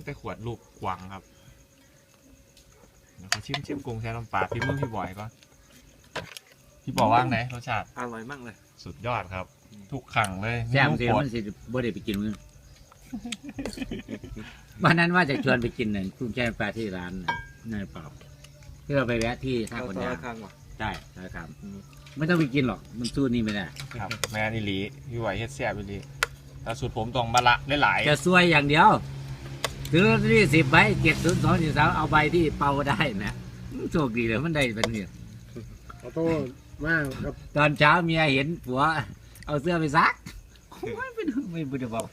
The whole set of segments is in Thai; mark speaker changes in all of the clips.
Speaker 1: แต่ขวดลูกกวางครับเดี๋ยวเขาชิมกุ้งแช่น้ำปลาพี่มือพี่บอยก็พี่บอกว่าไงรสชาติ
Speaker 2: อร่อยมากเลย
Speaker 1: สุดยอดครับทุกขังเลย
Speaker 3: แซ่บเสียมันสิบ่ได้ไปกินมื้อวันนั้นว่าจะชวนไปกินเนี่ยกุ้งแช่ปลาที่ร้านนายเปล่าที่เราไปแวะที่ท่าคนยางใช่ครับไม่ต้องไปกินหรอกมันสู้นี่ไม่ได้
Speaker 1: ครับแม่นิลีพี่ไหวเฮ็ดแซ่บนิลีแต่สูตรผมต้องมาละได้หลาย
Speaker 3: จะซวยอย่างเดียวซื้อที่10 ใบ70243เอาใบที่เป่าได้นะโชคดีเลยมันได้เป็นเนี่ย
Speaker 4: ขอโทษมากครับ
Speaker 3: ตอนเช้าเมียเห็นผัวเอาเสื้อไปซักไม่ได้บอก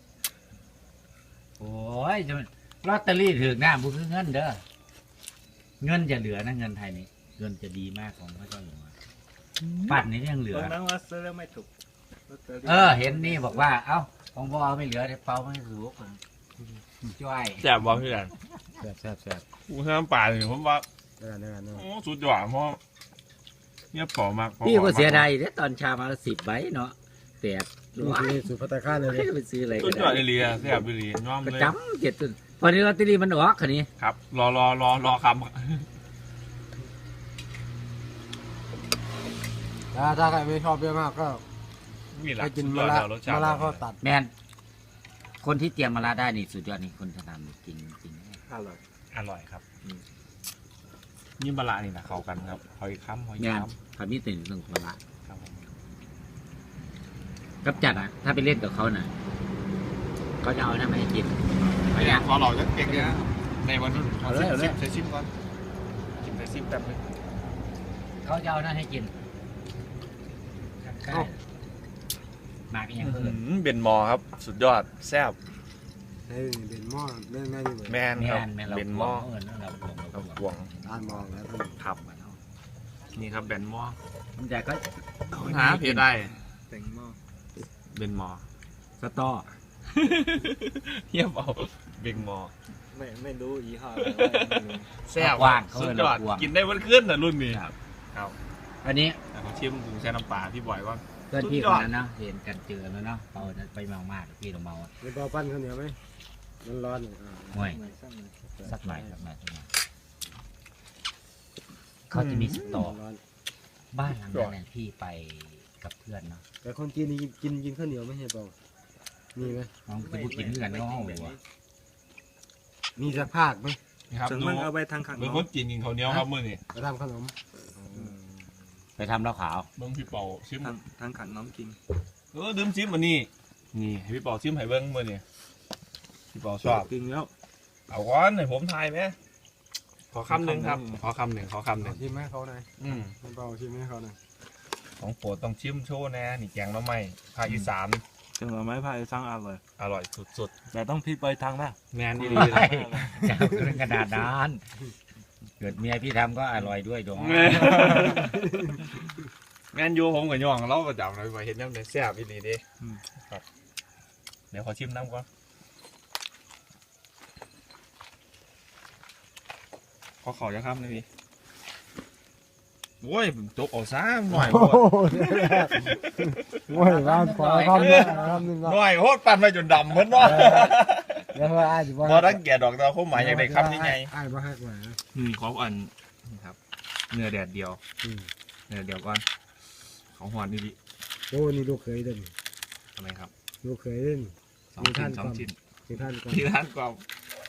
Speaker 3: โอ้ยจะลอตเตอรี่ถึงหน้าบุญเงินเด้อเงินจะเหลือนะเงินไทยนี้เงินจะดีมากของพระเจ้าอยู่หัวปั่นนี้ยังเหลือ
Speaker 2: นั้นว่าซื้อแล้วไม่ถูก
Speaker 3: เห็นนี่บอกว่าเอ้าของพ่อไม่เหลือเดี๋ยวเปาไม่รู้คนจ้อย
Speaker 1: แซ่บบอกพี่กัน
Speaker 4: แซ่บ
Speaker 1: กุ้งแช่น้ำปลาเนี่ยผมว่าโอ้สุดยอดเพราะเนี่ยเปล่ามาก
Speaker 3: พี่ก็เสียดายเนี่ยตอนเช้ามา10 ใบเนาะแต่
Speaker 4: นี่สุดพัตตาข้าเลย
Speaker 3: ไปซื้ออะไร
Speaker 1: สุดยอดเลียแซ่บเลียน้อมเลย
Speaker 3: จำ7 ตุนพอนี้ลอตเตอรี่มันออกคันนี้
Speaker 1: ครับรอคำ
Speaker 4: ถ้าใครไม่ชอบเยอะมากก็ให้กินมะระก็ตัด
Speaker 3: แมนคนที่เตรียมมะระได้นี่สุดยอดนี่คนจะทำกิน
Speaker 1: อร่อยครับนี่มะระนี่นะเข้ากันครับหอยค้ำ
Speaker 3: ทำนี่ตื่นเรื่องมะระกับจัดอ่ะถ้าไปเล่นกับเขาน่ะเขาจะเอาหน้ามาให้กิน
Speaker 1: ไม่อยากพอหล่อจะเก่งเลยนะในวันนู้นเอาเลยใช้ซิมก่อนใช้ซิมแป๊บนึง
Speaker 3: เขาจะเอาหน้าให้กินมากันยังเพิ่ม
Speaker 1: เบนมอครับสุดยอดแซ่บ
Speaker 4: เบนมอเล่นง่ายอยู่
Speaker 1: แมนครับเบนมอ
Speaker 3: เรา
Speaker 1: หวง
Speaker 4: ด้านมองแล้ว
Speaker 1: ครับนี่ครับเบนมอ
Speaker 3: มันจะก็
Speaker 1: หาเพจได้
Speaker 2: เบนมอ
Speaker 3: สตอ
Speaker 1: เทียบเอาเบนมอ
Speaker 2: ไม่รู้ยี่ห้อ
Speaker 1: แซ่บสุดยอดกินได้วันขึ้นนะรุ่นนี้ครับ
Speaker 3: อันนี้
Speaker 1: เขาชิมกุ้งแช่น้ำปลาพี่บอยว่า
Speaker 3: เพื่อนพี่คนนั้นนะเห็นกันเจอแล้วเนาะเราไปเมามากพี่เราเมา
Speaker 4: มีเปาปั้นข้าวเหนียวไหมมันร้อน
Speaker 3: ห่วยสักหน่อยเขาจะมีสตอบ้านหลังนั้นพี่ไปกับเพื่อนเนาะ
Speaker 4: แต่คนจีนกินข้าวเหนียวไม่ใช่เปล่ามีไหม
Speaker 3: น้องจะพูดกินด้วยกันน้อง
Speaker 4: มีสักภาคไหม
Speaker 1: ครับดู
Speaker 2: เอาไปทางขัน
Speaker 1: เป็นคนจีนกินข้าวเหนียวครับมื่อนี่
Speaker 4: ไปทำขนม
Speaker 3: ไปทำเหล้าขาว
Speaker 1: เบิ้งพี่เป่าชิม
Speaker 2: ทางขันน้องกิน
Speaker 1: ดื่มชิมมานี่ให้พี่เป่าชิมให้เบิ้งมื่อนี่พี่เป่าชอบ
Speaker 2: กินแล้ว
Speaker 1: เอาก้อนให้ผมทายไหมขอคำหนึ่งครับขอคำหนึ่ง
Speaker 4: ชิมให้เขาหน่อยพี่เป่าชิมให้เขาหน่อย
Speaker 1: ของโปรดต้องชิมโชว์นะนี่แกงน้ำไม้ภาคอีสาน
Speaker 2: แกงน้ำไม้ภาคอีสาน
Speaker 1: อร่อยสุด
Speaker 2: แต่ต้องพี่ไปทางนะ
Speaker 1: แมนดี
Speaker 3: เลยจะเป็นกระดาษด้านเกิดเมียพี่ทำก็อร่อยด้วยดอง
Speaker 1: แมนยูผมกับย่องเราประจำเลยไปเห็นน้ำในแซ่บอีนี่ดิครับเดี๋ยวขอชิมน้ำก่อนขอจะข้ามเลยพี่โอ้ยจกออกซ้ำหน่อย
Speaker 4: โอ้ยร้านขอข้ามเลย
Speaker 1: หน่อยโคตรปั่นไปจนดำเหมือนว่า
Speaker 4: แล้วว่าอาจจะ
Speaker 1: พอตั้งแก่ดอกตาเขาหมายอย่างไรคำยังไง
Speaker 4: บ้าฮักมา
Speaker 1: ของอันครับเนื้อแดดเดียวเนื้อเดียวก่อนของหวานนี่ดิ
Speaker 4: โอ้นี่ลูกเคยเด่น
Speaker 1: อะไรครับ
Speaker 4: ลูกเคยเด่น
Speaker 1: 2 ชิ้น
Speaker 4: ที่ท่าน
Speaker 1: กว่า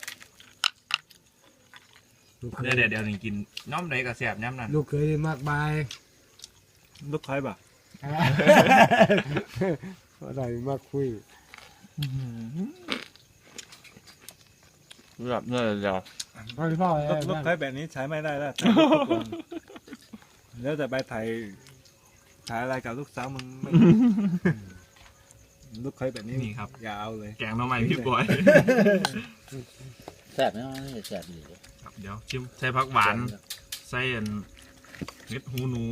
Speaker 1: เนื้อแดดเดียวนี่กินน้ำไหนกับแสบน้ำนั่น
Speaker 4: ลูกเคยมากมาย
Speaker 2: ลูกเคยป่ะ
Speaker 4: อะไรมากคุย
Speaker 1: แบบเนื้อเดียว
Speaker 2: ลูกเคยแบบนี้ใช้ไม่ได้แล้วแล้วแต่ไปถ่ายอะไรกับลูกสาวมึงลูกเคยแบบนี้
Speaker 1: นี่ครับ
Speaker 2: อย่าเอาเลย
Speaker 1: แกงน้ำมันพี่บอย
Speaker 3: แซ่บไหมแซ่บดี
Speaker 1: เดี๋ยวชิมใส่ผักหวานใส่เม็ดหูหนู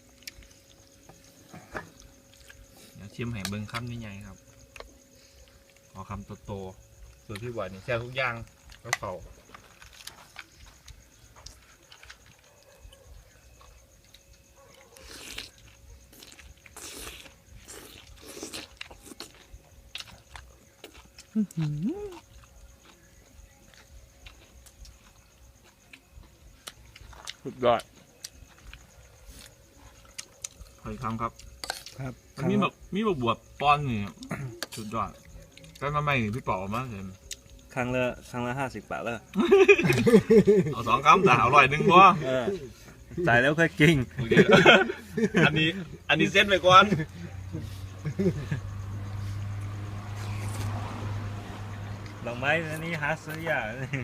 Speaker 1: เดี๋ยวชิมให้เบิ้งคำใหญ่ๆครับขอคำโตๆส่วนพี่บอยนี่แซ่บทุกอย่างก็เข่าสุดยอดขออีกครั้งครับ
Speaker 2: ครับ
Speaker 1: มันมีแบบบวบป้อนนี่ สุดยอดแต่ทำไมพี่ป๋อมากเลย
Speaker 2: ครั้งละ50 บาทแล้ว
Speaker 1: เอา2 คำแต่100พอ
Speaker 2: จ่ายแล้วค่อยกิน
Speaker 1: โอเคอันนี้เซ็ตไปก่อน
Speaker 2: ดอกไม้อันนี้หาซื้อยาก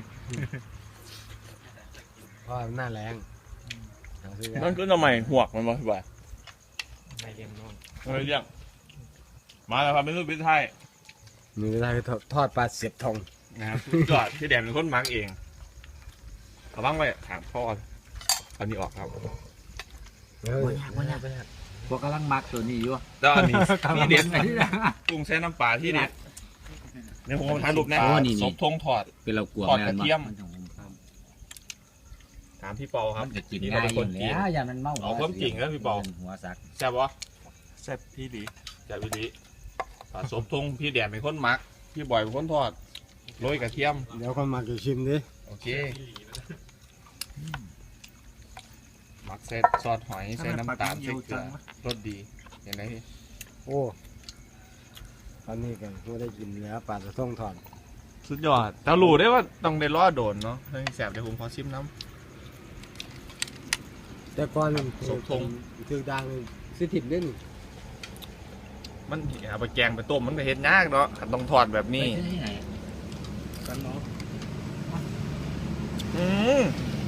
Speaker 4: เพราะหน้าแรงหาซื้อยาก
Speaker 1: นั่นก็ทำไมหวกมันมาพี่บอย
Speaker 4: ไม่เลี้ยงน้อง
Speaker 1: ไม่เรียกมาแล้วครับเป็นรูปพิไทย
Speaker 4: นี่ได้ทอดปลาเสียบทอง
Speaker 1: นะครับสุดยอดพี่แดนเป็นคนมักเองเขาบ้างไปถามพ่ออันนี้ออกครับ
Speaker 3: บ่ยากพวกกำลังมักตัวนี้อยู่
Speaker 1: แล้วอันนี้ที่เด็ด
Speaker 3: อันนี้นะ
Speaker 1: กุ้งแช่น้ำปลาที่เด็ดในผมทานรูปแน่
Speaker 3: โอ้นี่
Speaker 1: ศพทงถอด
Speaker 3: เป็นเรากลัว
Speaker 1: ทอด
Speaker 3: แม่
Speaker 1: กระ
Speaker 3: นบ่
Speaker 1: เทียม
Speaker 3: มันจะหุงข้าว
Speaker 1: ถามพี่เปาครับ
Speaker 3: มันจะกิน
Speaker 1: นี่
Speaker 3: ง่าย
Speaker 1: เราเป็น
Speaker 3: อ
Speaker 1: คน
Speaker 3: ยู่
Speaker 1: จีน
Speaker 3: แล้วอย่ามันเมา
Speaker 1: เอาความจริงนะพี่ปอ
Speaker 3: หัวสัก
Speaker 1: แซ่บวะ
Speaker 2: แซ่บพี่ดี
Speaker 1: แซ่บวิธีศพทงพี่แดนเป็นคนมักพี่บอยเป็นคนทอดโรยกระเทียม
Speaker 4: เดี๋ยวคนมาจะชิมดิ
Speaker 1: โอเคมักเซตซอสหอยใส่น้ำตาลใส่เกลือรสดีเห็นไหมพี่
Speaker 4: โอ้ตอนนี้กันไม่ได้กินแล้วปลาจะต้องถอน
Speaker 1: สุดยอดแต่รู้ได้ว่าต้องได้รอโดนเนาะให้แสบเดี๋ยวผมขอชิมน้
Speaker 4: แต่ก่อน
Speaker 1: สมทง
Speaker 4: ถือดังสิถิบเล่น
Speaker 1: ำมันเอาไปแกงไปต้มมันก็เห็ดยากเนาะขันต้องทอดแบบนี้
Speaker 3: ไปซื้อที่ไหน
Speaker 2: กันเนาะ
Speaker 1: อืม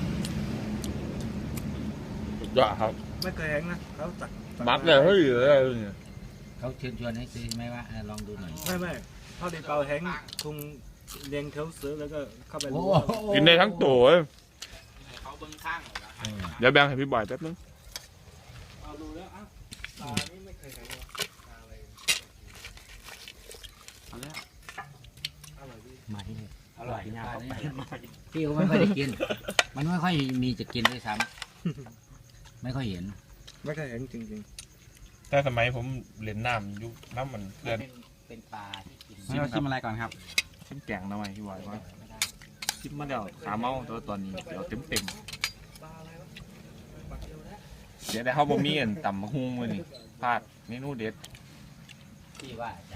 Speaker 1: สุดยอดครับ
Speaker 2: ไม่เคยเห็นนะเขาตัก
Speaker 1: มักเลยเฮ้ยอะไรเนี่ย
Speaker 3: เขาเชิญชวนให้ซื้อไหมว่าลองดูหน่อย
Speaker 2: ไม่เขาได้เป่าแห้งคงเลี้ยงเขาซื้อแล้วก็เข้าไป
Speaker 3: โอ้
Speaker 1: กินได้ทั้งตัวเว้ย
Speaker 5: เขาเบิ้งข้างเหรอครับ
Speaker 1: เดี๋ยวแบ่งให้พี่บอยแป๊บนึง
Speaker 2: เอาดูแล้วอ่ะปลานี่ไม่เคยเห็นเลยปลาอะไร
Speaker 3: เอาแล้ว
Speaker 2: อร่อยดี
Speaker 3: มาที่นี่อร่อยนะพี่เขาไม่ค่อยได้กิน มันไม่ค่อยมีจะกินด้วยซ้ำไม่ค่อยเห็น
Speaker 2: ไม่เคยเห็นจริง
Speaker 1: แต่สมัยผมเล่นน้ำยุคน้ำมันเพื่อน
Speaker 3: เป็นปลาที่กิน
Speaker 1: เราชิมอะไรก่อนครับชิมแกงหน่อยพี่บอยว่าชิมมาเดี๋ยวขาเมาตัวตอนนี้เดี๋ยวเต็มเดี๋ยวได้เข้าบ่มีอันต่ำมะฮุ้งเลยนี่พลาดเมนูเด็ด
Speaker 3: ที่ว่าจะ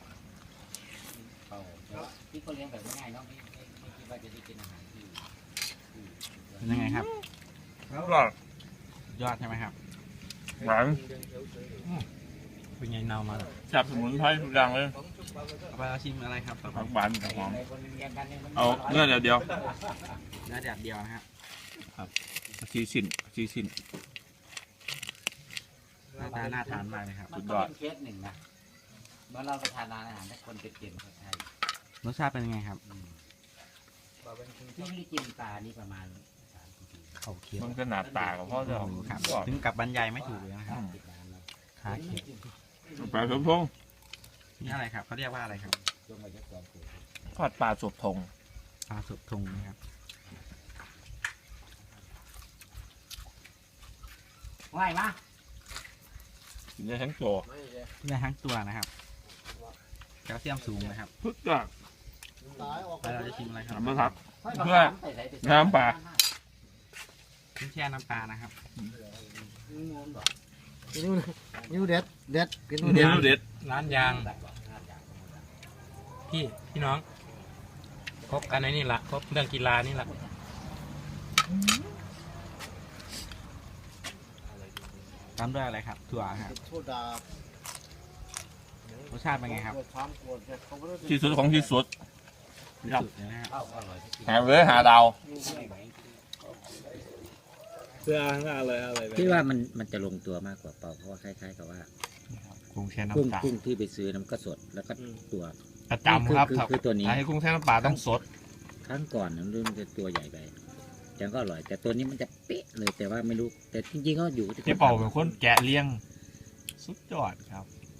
Speaker 3: ที่เขาเลี้ยงแบบง่ายๆเนาะไม่คิดว่าจะได้กินอาหารที่
Speaker 5: เป็นยังไงครับ
Speaker 1: อร่อย
Speaker 5: ยอดใช่ไหมครับ
Speaker 1: หวาน
Speaker 5: เป็นไงเนามา
Speaker 1: จับสมุนไพรทุกอย่างเลย
Speaker 5: เอาไปเอาชิมอะไรครับต่อไป
Speaker 1: ผักหวานกับหอม
Speaker 3: คนเลี้ยงกันเนี่ยมัน
Speaker 1: เอาเนื้อเดียว
Speaker 5: เนื้อแดดเดียวนะครับ
Speaker 1: ชีสิน
Speaker 5: หน้าตาน่าทานมากเลยครับ
Speaker 3: มันก็เป็นเคสหนึ่งนะเมื่อเราไปทานร้านอาหารถ้าคนเป็นเกมใช่
Speaker 5: รสชาติเป็นยังไงครับ
Speaker 3: ที่ไม่ได้กินปลานี่ประมาณ3 ปี
Speaker 5: เขาเคี้ยว
Speaker 1: มันก็หนาตากับพ่อจะ
Speaker 5: ครับถึงกับบรรยายไม่ถูกเลยนะครับ
Speaker 3: ติดร้านเรา
Speaker 5: ขาเคี้ยว
Speaker 1: ปลาสมพง
Speaker 5: นี่อะไรครับเขาเรียกว่าอะไรครับ
Speaker 3: ช่วงอายุก่อนเกิด
Speaker 1: ทอดปลาสบทง
Speaker 5: ปลาสุกทงนะครับ
Speaker 3: ว่ายมา
Speaker 1: กินได้ทั้งโจ
Speaker 5: ได้ทั้งตัวนะครับแคลเซียมสูงนะครับ
Speaker 1: พึกจ้ะ
Speaker 5: ไปเราจะชิมอะไรครับ
Speaker 1: น้ำครับ เพื่อน้ำปลา
Speaker 5: ขึ้นแช่น้ำปลานะครับ
Speaker 4: นิ้วเด็ดเด็ดกิน
Speaker 1: เมนูเด็ด
Speaker 5: ร้านยางพี่น้องครบกันในนี่ละครบเรื่องกีฬานี่ละตามด้วยอะไรครับถั่วครับ
Speaker 4: โซดาร
Speaker 5: สชาติเป็นไงครับ
Speaker 1: ที่สุดของที่สุด ครับ
Speaker 5: สุดเลยนะครับ
Speaker 1: หาเลยหาดาว
Speaker 2: ๆเพื่ออะไร
Speaker 3: ที่ว่ามันจะลงตัวมากกว่าเปล่าเพราะว่าคล้ายๆกับว่า
Speaker 1: กุ้งแช่
Speaker 3: กุ้ง
Speaker 1: น้ำปลา
Speaker 3: กุ้งที่ไปซื้อน้ำก็สดแล้วก็ตัว
Speaker 1: ประจำครับ
Speaker 3: คือตัวนี้
Speaker 1: ถ้าให้กุ้งแช่น้ำปลาต้องสด
Speaker 3: ครั้งก่อนมันจะตัวใหญ่ไปแต่ก็อร่อย แต่ตัวนี้มันจะเป๊ะเลยแต่ว่าไม่รู้แต่จริงๆก็อยู่ที่
Speaker 1: พี่เป่าเป็นคนแกะเลี้ยง สุดยอดครับ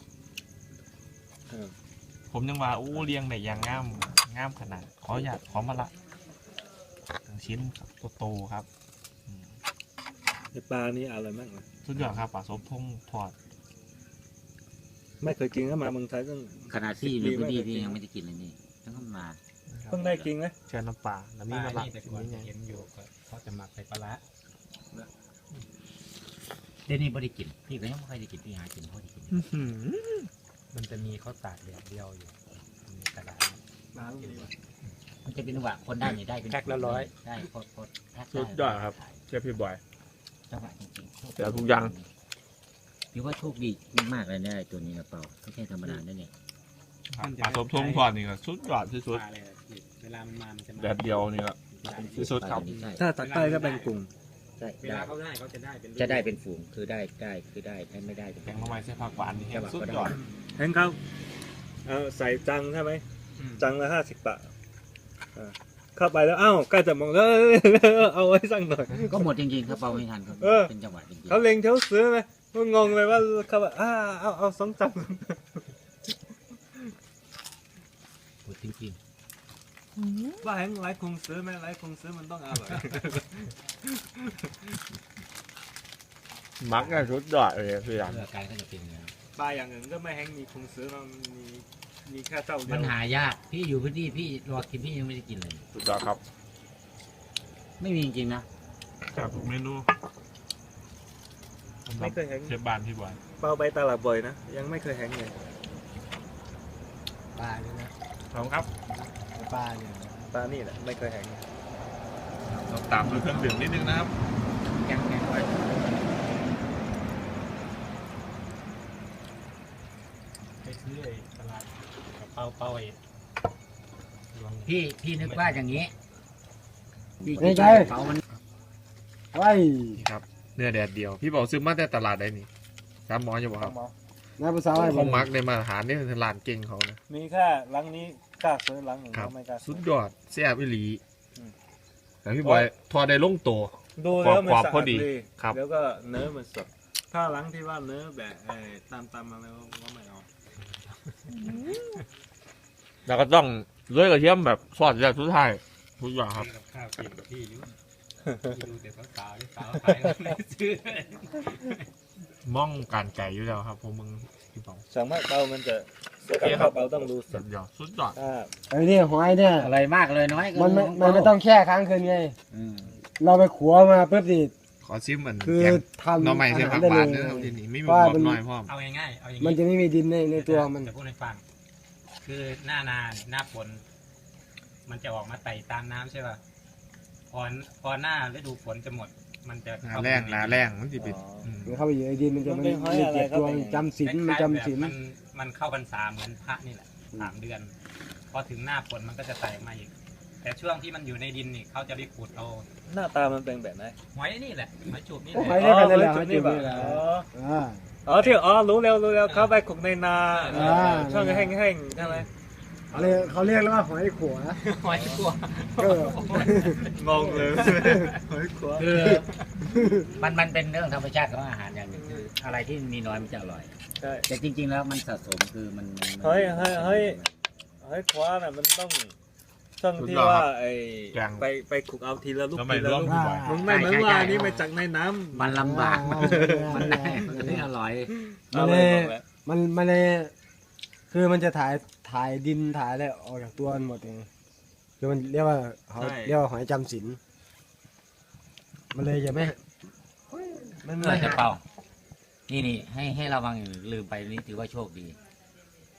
Speaker 1: ผมยังว่าอู้เลี้ยงได้อย่างงามขนาดขออยากขอมาละทั้งชิ้นโตๆครับ
Speaker 2: ปลานี่อร่อยมากเลย
Speaker 1: สุดยอดครับปลาสบทงทอด
Speaker 2: ไม่เคยกินก็มาเมืองไทยต้อง
Speaker 3: ขนาดที่อยู่ในพื้นที่พี่ยังไม่ได้กินเลยนี่ต้องมา
Speaker 2: เพิ่งได้กินนะ
Speaker 1: แช่น้ำปลาแล้วมีมาละ
Speaker 5: แต่
Speaker 1: ชิ้
Speaker 5: ก่อน
Speaker 1: นใหญ่
Speaker 5: เห็นอยู่ก็เขาจะหมักใส่ปลาร้า
Speaker 3: เดี๋ยวนี้ไม่ได้กินพี่ก็ยังไม่เคยได้กินพี่หากินเพราะได้กิน
Speaker 5: มันจะมีข้าวตากแดดเดียวอยู่มีกระดาษ
Speaker 3: มันจะเป็นว่าคนได้เนี่ยได้เป็น
Speaker 5: แพ็คละ100
Speaker 3: ได้โคตรแพ็ค
Speaker 1: สุดยอดครับเชฟพี่บอย
Speaker 3: จังหวะจริงๆ
Speaker 1: เดี๋ยวทุกอย่าง
Speaker 3: ถือว่าโชคดีมากๆเลยเนี่ยตัวนี้นะเปล่าไม่ใช่ธรรมดาเนี่ย
Speaker 1: ปลาทบทงทอดนี่ก็สุดยอดที่สุด
Speaker 5: ปลาเลยเวลามันมามันจะมา
Speaker 1: แดดเดียวนี่ก็ที่สุดครับ
Speaker 4: ถ้าตักใต้ก็เป็นกลุ่ม
Speaker 3: ใช่
Speaker 5: เวลาเขาได้เขาจะได้เป็น
Speaker 3: จะได้เป็นฝูงคือได้ไม่ได้
Speaker 1: แกงข้าวไม้ใส่ผักหวานนี่แห้งสุดยอด
Speaker 2: เห็นครับใส่จังใช่ไหมจังละ50 บาทเข้าไปแล้วใกล้จะมองแล้วเอาไว้สักหน่อย
Speaker 3: ก็หมดจริงๆครับเปล่าไม่ทันครับ
Speaker 2: เออ
Speaker 3: เป็นจังหวะจริง
Speaker 2: เขาเล็งเท้าซื้อไหมก็งงเลยว่าเขาแบบเอา2 จัง
Speaker 3: ๆหมดจริง
Speaker 2: ว่าแหงไรคงซื้อไหมไรคงซื้อมันต้องอร่อย
Speaker 1: มักเนี่ยสุดยอดเลยพี่
Speaker 3: ๆ
Speaker 1: ยัน
Speaker 3: เพื่อการก็จะเป็นอย่างนี้น
Speaker 2: ปลาอย่างอื่นก็ไม่แหงมีคงซื้อมันมีแค่เจ้าเดี
Speaker 3: มั
Speaker 2: ย
Speaker 3: น
Speaker 2: ว
Speaker 3: หายากพี่อยู่พื้นที่พี่รอกินพี่ยังไม่ได้กินเลย
Speaker 1: สุดยอดครับ
Speaker 3: ไม่มีจริงๆนะ
Speaker 1: จากทุกเมนู
Speaker 2: ไม่เคยแหง
Speaker 1: เชฟบ้านพี่บอย
Speaker 2: เปล่าไปตลาดบ่อยนะยังไม่เคยแหงเลย
Speaker 4: ปลาเนี่ยนะ
Speaker 1: ขอบคุณครับ
Speaker 4: ปลาเนี่ย
Speaker 2: ปลานี่แหละไม่เคยแหง
Speaker 1: เราตามด้วยเครื่องดื่มนิดนึงนะครับ
Speaker 3: แกงไว้
Speaker 5: ไปซื้อไอ้ตลาดกับเป้าไอ้รวง
Speaker 3: พี่นึกว่าอย่างนี้พี่
Speaker 4: ไม่
Speaker 3: คิด
Speaker 4: ใช่
Speaker 3: ว่าเขามัน
Speaker 4: ไว้
Speaker 1: นี่ครับเนื้อแดดเดียว พี่บอกซื้อมาแต่ตลาดได้นี่สามหมออยู่บ่ครับ
Speaker 4: น้าภาษาอะไร
Speaker 1: เขามักในมาตรฐานนี่คือร้านเก่งเขานะ
Speaker 2: มีแค่หลังนี้กล้าซื้อหลังอื่น
Speaker 1: ครับ
Speaker 2: ก็ไม่กล้า
Speaker 1: สุ
Speaker 2: ซื้
Speaker 1: ด
Speaker 2: อย
Speaker 1: อดแซ่บอีหลี
Speaker 2: อืม
Speaker 1: แต่พี่บอยทอดได้ลงตัว
Speaker 2: ดูแล้วมัน
Speaker 1: ความ
Speaker 2: สะ
Speaker 1: พอ
Speaker 2: อาด
Speaker 1: ดี
Speaker 2: ดี
Speaker 1: ครับ
Speaker 2: แล้วก็เนื้อมันสดถ้าหลังที่ว่าเนื้อแบบตามมาแล้วก็ไม่เอา
Speaker 1: แล้วก็ต้องเลื่อยกระเทียมแบบซอสแบบสุดท้ายทุกอย่างครับ
Speaker 5: กับข้าวกินที่อยู่ที่ดูแต่สาวๆสาวขายไม่ซื้อ
Speaker 1: ม่องการไก่อยู่แล้วครับพวกมึงพี่บอง
Speaker 2: สามารถเปามันจะกับข้าวเปาต้องดูส
Speaker 1: สุ
Speaker 2: ด
Speaker 1: ดยอดสุดยอด
Speaker 2: ถ้า
Speaker 4: ไอ้นี่หอยเนี่ย
Speaker 3: อะไรมากเลยน้อยก็
Speaker 4: มันไม่ต้องแช่ค้างคืนไง
Speaker 3: อืม
Speaker 4: เราไปขัวมาปุ๊บดิ
Speaker 1: ขอซิมเหมือน
Speaker 4: คือ
Speaker 1: แกง
Speaker 4: ทำ
Speaker 1: หน่อไม้ใส่ผัก
Speaker 4: ได้
Speaker 1: ห
Speaker 4: เล
Speaker 1: วาน
Speaker 4: ย
Speaker 1: นะครับที่นี่ไม่มี
Speaker 4: ว่า
Speaker 1: บว
Speaker 4: มั
Speaker 1: ก
Speaker 4: น
Speaker 1: น้อยพ่อม
Speaker 5: เอาง่ายๆเอาอย่าง
Speaker 4: มัน
Speaker 5: นี้
Speaker 4: จะไม่มีดินในตัวมัน
Speaker 5: จะพูดให้ฟัง คือหน้านาเนี่ยหน้าฝนมันจะออกมาไต่ตามน้ำใช่ป่ะพอหน้าฤดูฝนจะหมด มันจะ
Speaker 1: หนาแรงหนาแรงมันจะเป็นม
Speaker 4: มันเข้าไปอยู่ในดินมันจะมันเก็บตัวจำศีลมันจำศีล
Speaker 5: มันเข้าพรรษาเหมือนพระนี่แหละ3 เดือน พอถึงหน้าฝนมันก็จะไต่มาอีก แต่ช่วงที่มันอยู่ในดินนี่เขาจะไปขุดเอา
Speaker 2: หน้าตามันเป็นแบบไหน
Speaker 5: หอยนี่แหละหอยจูบนี่แห
Speaker 4: ห
Speaker 5: ละ
Speaker 4: อยได้กันเลย
Speaker 2: จุดนี้แบบอ๋อ
Speaker 4: อ่า
Speaker 2: ที่รู้แล้วเข้าไปขุกในนา
Speaker 4: อ่า
Speaker 2: ช่วงแห้งๆใช่ไหม
Speaker 4: เขาเรียกว่าหอยขัว
Speaker 5: หอยกลัว
Speaker 4: ก็
Speaker 2: งงเลยหอยขวา
Speaker 3: คือมันเป็นเรื่องธรรมชาติของอาหารอย่างหนึ่งคืออะไรที่มีน้อยมันจะอร่อย
Speaker 2: ใช่
Speaker 3: แต่จริง ๆ แล้วมันสะสมคือมัน
Speaker 2: เฮ้ย หอยขวาน่ะมันต้องช่วงที่ว่าไปขุกเอาทีละลูก
Speaker 1: แล้วไม่
Speaker 2: ทีละ
Speaker 1: ร่วม
Speaker 2: ลูก
Speaker 1: พี่บอย
Speaker 2: มันไม่เหมือนว่านี่มาจากในน้ำ
Speaker 3: มันลำบาก
Speaker 4: อ๋อ
Speaker 3: มันได้มันไม่อร่อย
Speaker 4: มันเลยมันเลยคือมันจะถ่ายดินถ่ายอะไรออกจากตัวมันหมดเองคือมันเรียกว่าเขาเรียกว่าหอยจำศีลมันเลยจะไม่มัน
Speaker 3: เพื่อจะเป่า นี่ให้ระวังอย่าลืมไปนี่ถือว่าโชคดี